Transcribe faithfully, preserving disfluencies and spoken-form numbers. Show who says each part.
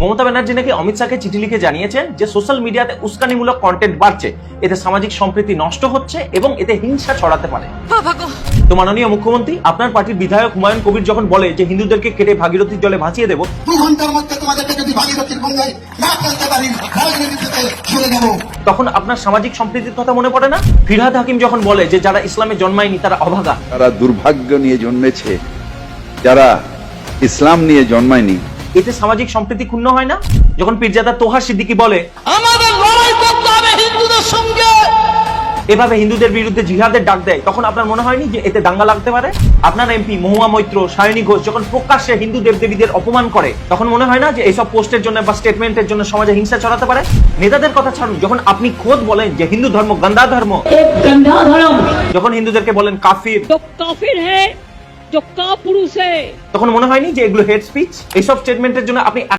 Speaker 1: মমতা ব্যানার্জি নাকি অমিত শাহকে চিঠি লিখে জানিয়েছেন যে সোশ্যাল মিডিয়াতে উস্কানিমূলক কন্টেন্ট বাড়ছে, এতে সামাজিক সম্প্রীতি নষ্ট হচ্ছে এবং এতে হিংসা ছড়াতে পারে। তো মাননীয় মুখ্যমন্ত্রী, আপনার পার্টির বিধায়ক হুমায়ুন কবির যখন বলে যে হিন্দুদেরকে কেটে ভাগীরথীর জলে ভাসিয়ে দেবো,
Speaker 2: দু ঘন্টার মধ্যে তোমাদেরকে যদি ভাগীরথীর গঙ্গায় না ফেলতে পারি রাজনীতিতে চলে যাবো,
Speaker 1: তখন আপনার সামাজিক সম্প্রীতির কথা মনে পড়ে না? ফিরহাদ হাকিম যখন বলে যে যারা ইসলামে জন্মায়নি তারা অভাগা,
Speaker 3: তারা দুর্ভাগ্য নিয়ে জন্মেছে, যারা ইসলাম নিয়ে জন্মায়নি।
Speaker 1: এতে সামাজিক সম্প্রীতি ক্ষুণ্ণ হয় না? যখন পীরজাদা তোহা সিদ্দিকী বলে
Speaker 4: আমাদের লড়াই করতে হবে হিন্দুদের সঙ্গে,
Speaker 1: এভাবে হিন্দুদের বিরুদ্ধে জিহাদের ডাক দেয়, তখন আপনার মনে হয়নি যে এতে দাঙ্গা লাগতে পারে? আপনার এমপি মহুয়া মৈত্র, সায়নী ঘোষ যখন প্রকাশ্যে হিন্দু দেবদেবীদের অপমান করে, তখন মনে হয় না যে এইসব পোস্টের জন্য বা স্টেটমেন্টের জন্য সমাজে হিংসা ছড়াতে পারে? নেতাদের কথা ছাড়ুন, যখন আপনি খোদ বলেন যে হিন্দু ধর্ম গন্দা ধর্ম,
Speaker 5: गंदा धर्म
Speaker 1: যখন হিন্দুদেরকে বলেন কাফির,
Speaker 5: जो काफिर है, जो कापुरुष है,
Speaker 1: তখন মনে হয়নি যে এগুলো হেড স্পিচ? এইসব স্টেটমেন্টের জন্য আপনি